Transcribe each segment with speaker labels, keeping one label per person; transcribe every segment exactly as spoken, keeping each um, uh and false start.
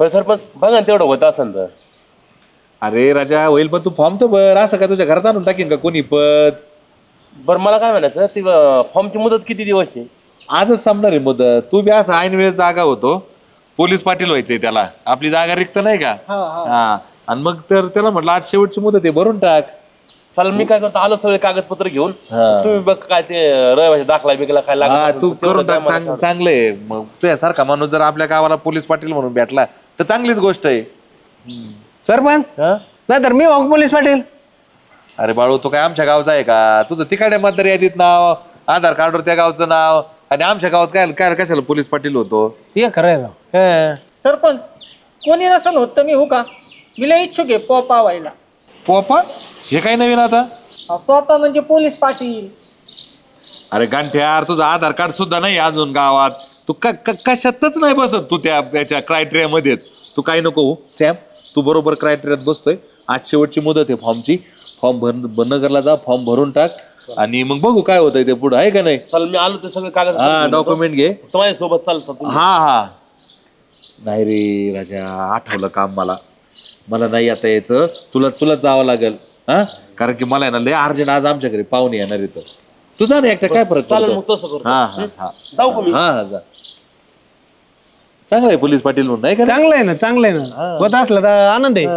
Speaker 1: पण सरपंच बघा ना तेवढं होत असेल तर.
Speaker 2: अरे राजा होईल पण तू फॉर्म तर भर. असं काय तुझ्या घरात आणून टाकीन का कोणी पद?
Speaker 1: बरं मला काय म्हणायचं ती फॉर्मची मुदत किती दिवस आहे?
Speaker 2: आजच संपणार आहे मुदत. तू बी असं ऐन वेळेस जागा होतो. पोलीस पाटील व्हायचंय त्याला. आपली जागा रिक्त नाही का? हा. आणि मग तर त्याला म्हटलं आज शेवटची मुदत आहे भरून टाक.
Speaker 1: चालेल मी काय करतो आलो सगळे कागदपत्र घेऊन.
Speaker 2: हा.
Speaker 1: तुम्ही बघ काय ते रहिवासी दाखला बिकला काय
Speaker 2: हा
Speaker 1: लागत
Speaker 2: तू
Speaker 1: असेल तर
Speaker 2: करून
Speaker 1: तेवढं द्या
Speaker 2: टाक.
Speaker 1: मला
Speaker 2: चांग-
Speaker 1: तेवढं.
Speaker 2: चांगलंय. मग तुझ्यासारखा माणूस जर आपल्या गावाला पोलीस पाटील म्हणून भेटला तर चांगलीच गोष्ट आहे.
Speaker 3: सरपंच
Speaker 1: हा?
Speaker 3: नाही तर मी वाघ पोलीस पाटील.
Speaker 2: अरे बाळू तू काय आमच्या गावचा आहे का? तुझं तिकडे मतदार यादीत नाव, आधार कार्डवर त्या गावचं नाव, आणि आमच्या गावात काय काय कशाला पोलीस पाटील होतो?
Speaker 3: ते खरं आहे.
Speaker 2: हे.
Speaker 4: सरपंच कोणी नसेल होत तर मी हो का? मी लय इच्छुक आहे पोपा व्हायला.
Speaker 2: पोपा हे काय नवीन आता?
Speaker 4: अहो, पोपा म्हणजे पोलीस पाटील.
Speaker 2: अरे गांठ्यार तुझं आधार कार्ड सुद्धा नाही अजून गावात. तू क- क- कशातच नाही बसत तू त्या त्याच्या क्रायटेरिया मध्येच. तू काय नको हो सॅम, तू बरोबर क्रायटेरियात बसतोय. आज शेवटची मुदत आहे फॉर्मची. फॉर्म भर नगरला जा, फॉर्म भरून टाक आणि मग बघू काय होतंय ते पुढं, आहे का नाही?
Speaker 1: चालेल मी आलो ते सगळे कागद
Speaker 2: हा डॉक्युमेंट घे.
Speaker 1: माझ्या सोबत चालतं.
Speaker 2: हा हा. नाही रे राजा, आठवलं काम मला. मला नाही आता यायचं. तुला तुला जावं लागेल. हा कारण की मला आहे ना लय अर्जंट आज आमच्या घरी पाहुणे येणार इथं. तू जा ना एकटा, काय फरक
Speaker 1: चालेल
Speaker 2: पडतो?
Speaker 1: मग तसं करतो.
Speaker 2: हा हा हा.
Speaker 1: जाऊ का मी?
Speaker 2: हा हा जा. चांगलं आहे पोलीस पाटील म्हणून, नाही का?
Speaker 3: चांगलं आहे ना, चांगलं आहे ना. होत असलं तर आनंद आहे.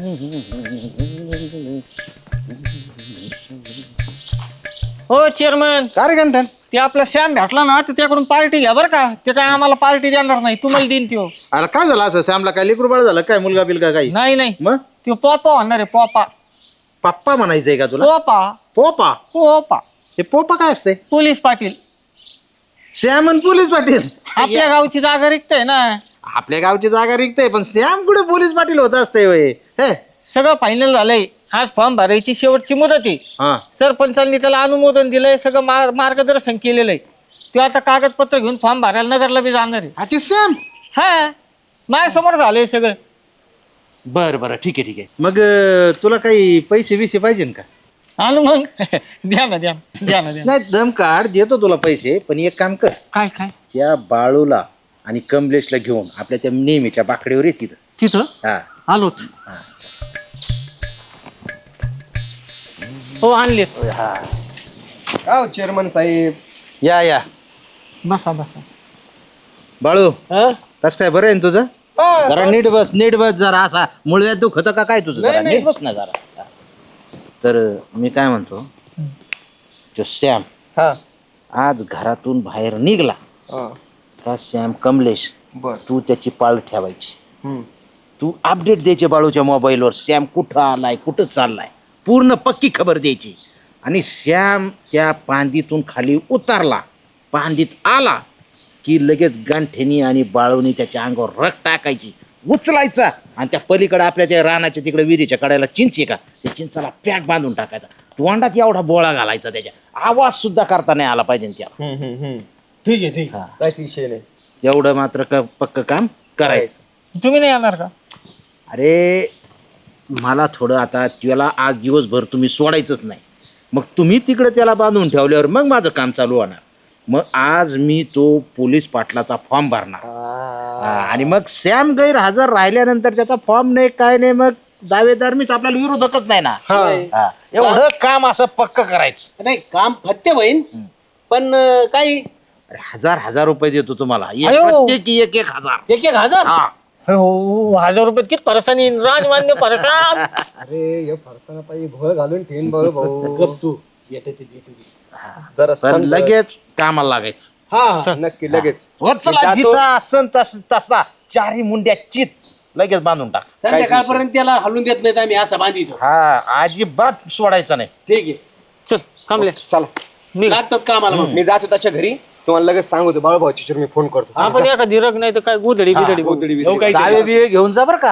Speaker 4: हो चेअरमन,
Speaker 3: काय रे घंटन?
Speaker 4: ते आपला श्याम भेटला ना तर त्याकडून पार्टी घ्या बरं का. ते काय आम्हाला पार्टी देणार नाही, तुम्हाला देईन त्यो.
Speaker 5: अरे काय झालं असं? सॅमला काय लेकरू झालं काय? मुलगा बिलगा काही?
Speaker 4: नाही नाही
Speaker 5: मग
Speaker 4: त्यो पोपा होणार आहे. पोपा
Speaker 5: पप्पा म्हणायचंय का तुला?
Speaker 4: पोपा
Speaker 5: पोपा?
Speaker 4: पोपा
Speaker 5: हे पोपा काय असते?
Speaker 4: पोलीस पाटील.
Speaker 5: सॅम आणि पोलीस पाटील?
Speaker 4: आपल्या गावची जागा रिक्त आहे ना.
Speaker 5: आपल्या गावची जागा रिक्तय पण सॅम कुठे पोलीस पाटील होत असते होय? हे
Speaker 4: सगळं फायनल झालंय. आज फॉर्म भरायची शेवटची मुदत आहे.
Speaker 5: हा.
Speaker 4: सरपंचांनी त्याला अनुमोदन दिलंय, सगळं मार मार्गदर्शन केलेलं आहे. तो आता कागदपत्र घेऊन फॉर्म भरायला नगरला बी जाणार आहे.
Speaker 5: अच्छा सॅम.
Speaker 4: हा माझ्यासमोर झालंय सगळं.
Speaker 5: बर बर ठीक आहे ठीक आहे. मग अं, तुला काही पैसे बिसे पाहिजे का?
Speaker 4: आणि मग द्या ना द्या ना, द्या ना द्या ना.
Speaker 5: नाही दम काढ, देतो तुला पैसे. पण एक काम कर,
Speaker 4: काय काय
Speaker 5: त्या बाळूला आणि कमलेशला घेऊन आपल्या त्या नेहमीच्या बाकड्यावर ये तिथं.
Speaker 4: तिथं
Speaker 5: हा
Speaker 4: आलोच. हो आणलेत.
Speaker 6: हो चेअरमन साहेब.
Speaker 5: या या.
Speaker 4: बसा बसा.
Speaker 5: बाळू कस काय बरं आहे ना तुझं? जरा नीट बस, नीट बस जरा. असा मुळव्यात दुखत का काय तुझं? जरा नीट बस ना जरा. तर मी काय म्हणतो, तो सॅम
Speaker 6: हा
Speaker 5: आज घरातून बाहेर निघला
Speaker 6: हा.
Speaker 5: का सॅम कमलेश
Speaker 6: बर.
Speaker 5: तू त्याची पाळ ठेवायची.
Speaker 6: हम्म.
Speaker 5: तू अपडेट द्यायचे बाळूच्या मोबाईलवर. सॅम कुठं आलाय, कुठं चाललाय, पूर्ण पक्की खबर द्यायची. आणि सॅम त्या पांदीतून खाली उतरला, पांदीत आला की लगेच गांठ्यानी आणि बाळूनी त्याच्या अंगावर रग टाकायची, उचलायचा आणि त्या पलीकडे आपल्या त्या रानाच्या तिकडे विहिरीच्या कड्याला चिंच आहे का, त्या चिंचाला पॅक बांधून टाकायचा. तोंडात एवढा बोळा घालायचा, त्याच्या आवाज सुद्धा करता नाही आला पाहिजे त्याला.
Speaker 6: हम्म, हम्म, हम्म. ठीक आहे ठीक आहे, काहीच विषय नाही.
Speaker 5: एवढं मात्र क पक्क काम करायचं.
Speaker 4: तुम्ही नाही येणार का?
Speaker 5: अरे मला थोडं आता त्याला आज दिवसभर तुम्ही सोडायचंच नाही. मग तुम्ही तिकडे त्याला बांधून ठेवल्यावर मग माझं काम चालू होणार. मग आज मी तो पोलीस पाटलाचा फॉर्म भरणार. हा, आणि मग सॅम गैरहजर राहिल्यानंतर त्याचा फॉर्म नाही काय नाही, मग दावेदार मीच, आपल्याला विरोधकच नाही ना. हा, एवढं काम असं पक्क करायचं.
Speaker 7: नाही काम फत्ते होईन पण अं, काही
Speaker 5: अरे हजार हजार रुपये देतो तुम्हाला, एक
Speaker 4: अयो.
Speaker 5: प्रत्येकी एक एक हजार.
Speaker 7: एक एक हजार.
Speaker 5: हा
Speaker 4: हो हजार रुपये किती परसानी राजमान्य परसान.
Speaker 6: अरे हे फरसाना पाहिजे घोळ घालून ठेन बाळू भाऊ.
Speaker 7: गप तू येते ते येते ते.
Speaker 6: जरा
Speaker 5: पण
Speaker 6: संत-
Speaker 5: लगेच कामाला लागायचं.
Speaker 6: हा नक्की लगेच.
Speaker 5: वत्सला
Speaker 6: जातो.
Speaker 5: जिथं असन तस तसा चारी मुंड्या चित लगेच बांधून टाक.
Speaker 7: संध्याकाळपर्यंत त्याला हलून देत नाहीत आम्ही असं बांधितो.
Speaker 5: हा अजिबात सोडायचं नाही.
Speaker 7: ठीक आहे
Speaker 4: चल कमले
Speaker 6: चला
Speaker 7: लागतो कामाला मग.
Speaker 6: मी जातो त्याच्या घरी. तुम्हाला लगेच सांगतो बाळू भाऊची मी फोन करतो.
Speaker 4: आपण एखादी रग नाही तर काय गुदडी बिदडी
Speaker 6: गोधडी
Speaker 4: बघू.
Speaker 6: बिधडी.
Speaker 5: दावे बिवे घेऊन जा बरं का.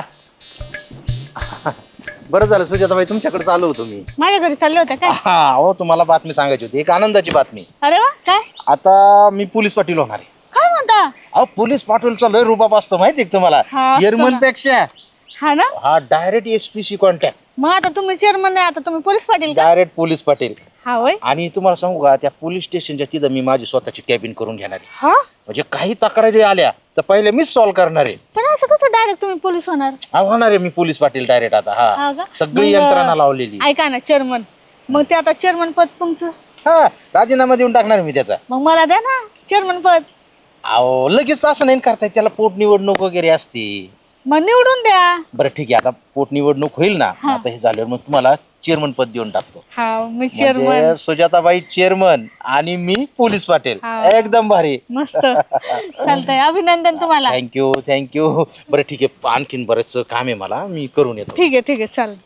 Speaker 5: बरं झालं सुजाताबाई तुमच्याकडे चालू होतो मी.
Speaker 8: माझ्या घरी चालले होते काय?
Speaker 5: हा हो तुम्हाला बातमी सांगायची होती, एक आनंदाची बातमी.
Speaker 8: अरे वा, काय
Speaker 5: आता मी पोलीस पाटील होणार आहे.
Speaker 8: काय म्हणता?
Speaker 5: अहो पोलीस पाटीलचा लय रुबाब असतो माहिती आहे का तुम्हाला?
Speaker 8: हा, असतो
Speaker 5: चेअरमन
Speaker 8: ना.
Speaker 5: पेक्षा आहे
Speaker 8: हा ना.
Speaker 5: हा direct S P C contact,
Speaker 8: मग आता तुम्ही चेअरमन नाही, आता तुम्ही पोलीस पाटील का?
Speaker 5: Direct police Patil.
Speaker 8: हा होय.
Speaker 5: आणि तुम्हाला सांगू का, त्या पोलीस स्टेशनच्या तिथं मी माझी स्वतःची कॅबिन करून घेणार आहे.
Speaker 8: हा,
Speaker 5: म्हणजे काही तक्रारी आल्या तर पहिले मीच सॉल्व्ह करणार आहे.
Speaker 8: पण असं कसं डायरेक्ट तुम्ही पोलीस होणार?
Speaker 5: हा, होणार आहे मी पोलीस पाटील डायरेक्ट आता.
Speaker 8: हा
Speaker 5: हा
Speaker 8: का?
Speaker 5: सगळी
Speaker 8: मग,
Speaker 5: यंत्रणा लावलेली.
Speaker 8: ऐका ना चेअरमन, मग ते आता चेअरमन पद तुमचं,
Speaker 5: हा, राजीनामा देऊन टाकणार मी त्याचा.
Speaker 8: मग मला द्या ना चेअरमन पद.
Speaker 5: अहो लगेच असं नाही करताय, त्याला पोट निवडणूक वगैरे असते.
Speaker 8: मग निवडून द्या.
Speaker 5: बरं ठीक आहे, आता पोट निवडणूक होईल ना, आता हे झाल्यावर मग तुम्हाला चेअरमन पद देऊन टाकतो.
Speaker 8: हा, मी चेअरमन.
Speaker 5: म्हणजे सुजाताबाई चेअरमन आणि मी पोलीस पाटील.
Speaker 8: हा.
Speaker 5: एकदम भारी.
Speaker 8: मस्त चालतंय, अभिनंदन तुम्हाला.
Speaker 5: Thank you thank you. बरं ठीक आहे, आणखीन बरेच काम आहे मला, मी करून येतो.
Speaker 8: ठीक आहे ठीक आहे चालेल.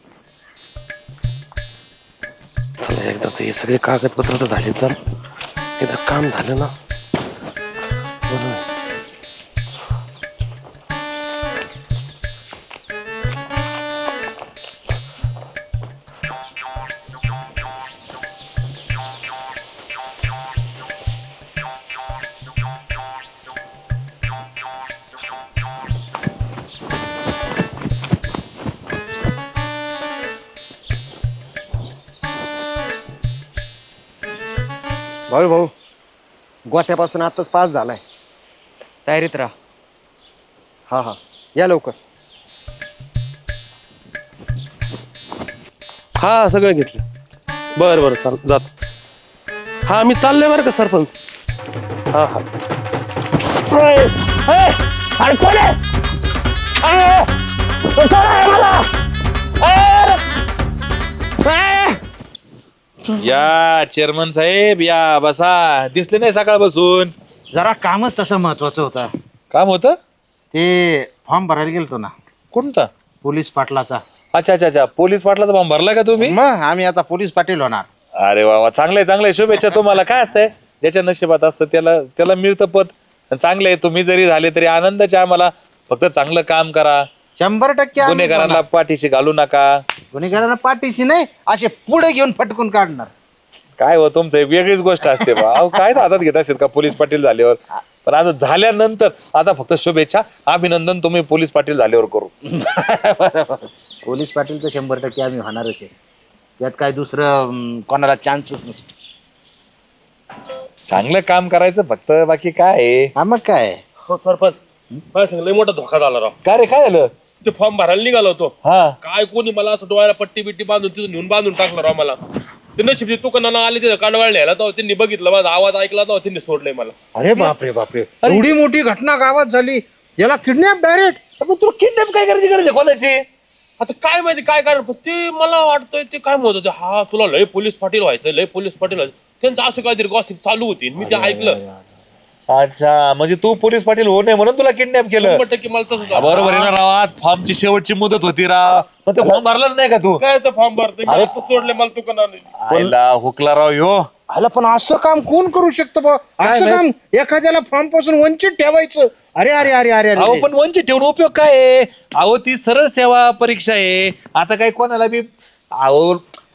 Speaker 1: चला एकदाच हे सगळे कागदपत्र तर झाले, चल एकदा काम झालं ना.
Speaker 6: भाऊ भाऊ गोठ्यापासून आताच पास झालाय.
Speaker 9: तयारीत राहा.
Speaker 6: हा हा या लवकर.
Speaker 1: हा सगळं घेतलं. बरं बरं चाल जात. हा मी चाललोय बरं का सरपंच. हा हा. अरे कोण आहे?
Speaker 2: या चेअरमन साहेब या, बसा. दिसले नाही सकाळ बसून.
Speaker 5: जरा कामच तसं महत्वाचं होतं.
Speaker 2: काम होतं
Speaker 5: ते फॉर्म भरायला गेलतो ना,
Speaker 2: कोणता?
Speaker 5: पोलीस पाटलाचा.
Speaker 2: अच्छा अच्छा अच्छा, पोलीस पाटलाचा फॉर्म भरला का तुम्ही?
Speaker 5: मग आम्ही आता पोलीस पाटील होणार.
Speaker 2: अरे वा वा, चांगलंय चांगलंय, शुभेच्छा तुम्हाला. काय असतंय, ज्याच्या नशिबात असतं त्याला त्याला मिळतं पद. चांगलं आहे, तुम्ही जरी झाले तरी आनंदाचे आम्हाला. फक्त चांगलं काम करा,
Speaker 5: शंभर टक्के आम्ही
Speaker 2: गुन्हेगारांना
Speaker 5: होणार.
Speaker 2: पाठीशी घालू नका.
Speaker 5: गुन्हेगारांना पाठीशी नाही, असे पुढे घेऊन फटकून काढणार.
Speaker 2: काय हो, तुमचं एक वेगळीच गोष्ट असते बा. अहो, काय हातात घेत असेल का पोलीस पाटील झाल्यावर? पण आता झाल्यानंतर आता फक्त शुभेच्छा, अभिनंदन, तुम्ही पोलीस पाटील झाल्यावर करू.
Speaker 5: बरोबर. पोलीस पाटील तर शंभर टक्के आम्ही होणारच आहे, त्यात काय दुसरं अं, कोणाला चान्सच नसतो.
Speaker 2: चांगलं काम करायचं फक्त, बाकी काय आहे?
Speaker 5: हा मग काय.
Speaker 1: हो सरपंच, मला सांग लय मोठा धोका झाला राव.
Speaker 2: काय रे, काय झालं?
Speaker 1: ते फॉर्म भरायला निघालो होतो,
Speaker 2: हा
Speaker 1: काय कोणी मला असं डोळ्याला पट्टी बिट्टी बांधून तिथून नेऊन बांधून टाकलं राव मला. ते नशीब दुकानानं आले तिथं कांडवाळ न्यायला, तेव्हा त्यांनी बघितलं, माझा आवाज ऐकला, तेव्हा त्यांनी सोडलंय मला.
Speaker 5: अरे बापरे बापरे, एवढी मोठी घटना गावात झाली, याला किडनॅप डायरेक्ट.
Speaker 1: मग तुला किडनॅप काय करायची गरज आहे कोणाची? आता काय माहिती काय कारण, पण ते मला वाटतंय ते काय म्हणत होते, हा तुला लय पोलीस पाटील व्हायचं, लय पोलीस पाटील व्हायचं. त्यांचं असं काहीतरी गॉसिप चालू होती, मी ते ऐकलं.
Speaker 2: अच्छा, म्हणजे तू पोलीस पाटील हो नाही म्हणून तुला किडनॅप केलं?
Speaker 1: शंभर टक्के मला तसंच वाटतं.
Speaker 2: बरोबर आहे ना राव, आज फॉर्मची शेवटची मुदत होती राव, पण ते फॉर्म भरलाच नाही का तू?
Speaker 1: कायचं फॉर्म भरते मी आता सोडले मला दुकानाने.
Speaker 2: आईला हुकला राव ह्यो.
Speaker 5: आला, पण असं काम कोण करू शकतं बा? असं
Speaker 2: नाही?
Speaker 5: काम एखाद्याला फॉर्म पासून वंचित ठेवायचं. अरे अरे अरे अरे
Speaker 2: अहो
Speaker 5: अरे
Speaker 2: पण वंचित ठेवून उपयोग काय आहे? अहो ती सरळ सेवा परीक्षा आहे. आता काय कोणाला बी, अहो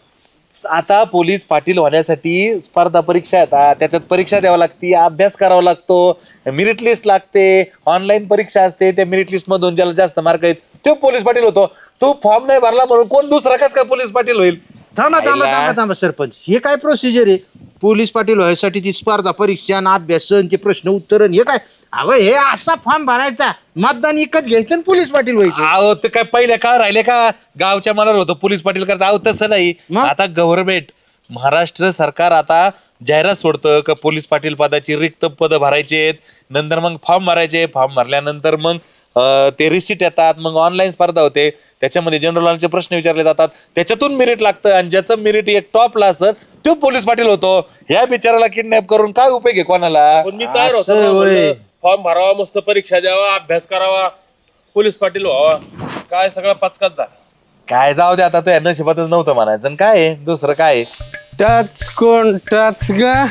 Speaker 2: आता पोलीस पाटील होण्यासाठी स्पर्धा परीक्षा येतात, त्याच्यात परीक्षा द्यावं लागते, अभ्यास करावा लागतो, मेरिट लिस्ट लागते, ऑनलाईन परीक्षा असते, त्या मेरिट लिस्ट मधून ज्याला जास्त मार्क आहेत तो पोलीस पाटील होतो. तू फॉर्म नाही भरला म्हणून कोण दुसरा कस काय पोलीस पाटील होईल?
Speaker 5: थांबा थांबा
Speaker 2: आईला.
Speaker 5: थांबा थांबा सरपंच, हे काय प्रोसिजर आहे? पोलीस पाटील व्हायसाठी ती स्पर्धा परीक्षा आणि अभ्यासन, ते प्रश्न उत्तरण, हे काय? अहो हे असा फॉर्म भरायचा, मतदान विकत घ्यायचं आणि पोलीस पाटील व्हायचं.
Speaker 2: अहो ते काय पहिल्या काळ राहिले का गावच्या मनावर होतं पोलीस पाटील करायचं? अहो तसं नाही.
Speaker 5: मग?
Speaker 2: आता गव्हर्नमेंट महाराष्ट्र सरकार आता जाहिरात सोडतं का पोलीस पाटील पदाची रिक्त पद भरायचे आहेत, नंतर मग फॉर्म भरायचे, फॉर्म भरल्यानंतर मग अं, ते रिसिट येतात, मग ऑनलाईन स्पर्धा होते, त्याच्यामध्ये जनरल नॉलेजचे प्रश्न विचारले जातात, त्याच्यातून मेरिट लागतं, आणि ज्याचं मेरिट एक टॉपला असतं तो पोलीस पाटील होतो. ह्या बिचाराला किडनॅप करून काय उपयोग आहे कोणाला?
Speaker 1: पण मी तयार
Speaker 5: असं होय.
Speaker 1: होतो, फॉर्म भरावा, मस्त परीक्षा द्यावा, अभ्यास करावा, पोलीस पाटील व्हावा. काय सगळा पचकाच झाला.
Speaker 2: काय जाऊ दे, आता तो यांना नशिबातच नव्हतं म्हणायचं, आणि काय आहे दुसरं काय आहे?
Speaker 3: टच कोण टच ग,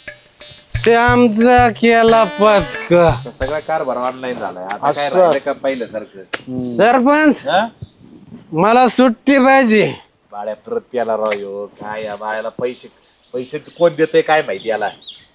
Speaker 3: श्यामचा केला पाच का.
Speaker 2: सगळा कारभार ऑनलाईन झालाय, आता काय
Speaker 3: असं.
Speaker 2: राहिलं का पहिलं सारखं?
Speaker 3: सरपंच
Speaker 2: हा?
Speaker 3: मला सुट्टी पाहिजे.
Speaker 2: बाळ्या परत प्याला राव ह्यो. काय या बाळ्याला पैसे पैसे कोण देतोय काय माहिती याला.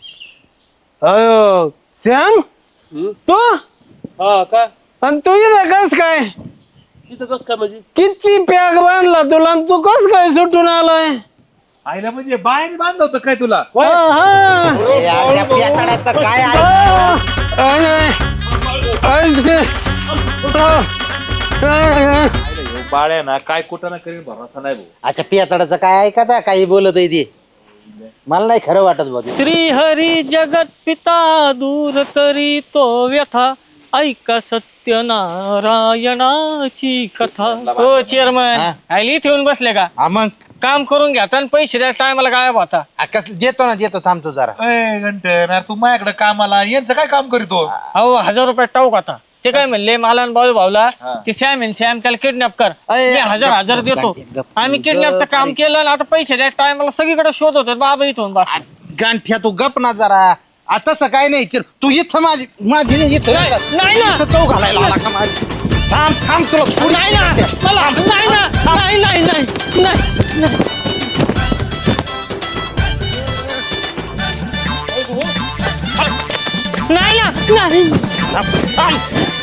Speaker 3: अयो श्याम, तू
Speaker 1: हा का
Speaker 3: आणि तू इथं कस काय?
Speaker 1: तिथं कसं काय म्हणजे
Speaker 3: किती पॅक बांधला तुला आणि तू कस काय सुटून आलाय?
Speaker 2: आईला म्हणजे बाहेर बांधलं होतं काय तुला
Speaker 3: हा, हा.
Speaker 5: अरे यार, त्या पेताळाचं काय आहे?
Speaker 3: आय, आय. आय, ते. आय, आय.
Speaker 2: बाळ्या ना काय कुठं ना करीन भरोसा नाही भाऊ.
Speaker 5: अच्छा पेताळाचं काय ऐकता काही बोलत आहे ते मला नाही खरं वाटत बघ.
Speaker 4: श्री हरी जगत पिता दूर करी तो व्यथा ऐका सत्य नारायणाची कथा. हो चेअरमन
Speaker 5: हा?
Speaker 4: आयली इथे येऊन बसले का?
Speaker 5: हा मग
Speaker 4: काम करून घ्या आणि पैसे द्या टायमाला गायब होता.
Speaker 5: आ, कसं देतो ना देतो थांबतो जरा.
Speaker 2: ए घंटन अरे तू माझ्याकडे कामाला यांचं काय काम करीतो
Speaker 4: अहो हजार रुपये टाऊक आता ते काय म्हणले मला आणि बाळू भाऊला ते सॅम आहे सॅम त्याला किडनॅप कर
Speaker 5: अय,
Speaker 4: मी हजार
Speaker 5: गप-
Speaker 4: हजार
Speaker 5: गप-
Speaker 4: देतो.
Speaker 5: गप- गप-
Speaker 4: आम्ही
Speaker 5: गप-
Speaker 4: किडनॅपचं काम केलं आणि आता पैसे द्या टायमाला सगळीकडे शोध होतो बाबा इथून बस.
Speaker 5: गांठ्या तू गप ना जरा आता असं काय नाही चिर तू इथं माझी माझी नाही इथं
Speaker 4: नाही ना.
Speaker 5: इथं चौ घालायला आला का माझी थांब थांब तुला थोडी-
Speaker 4: नाही ना मला नाही ना नाही नाही नाही नाही नाही ना नाही
Speaker 5: थांब, थांब.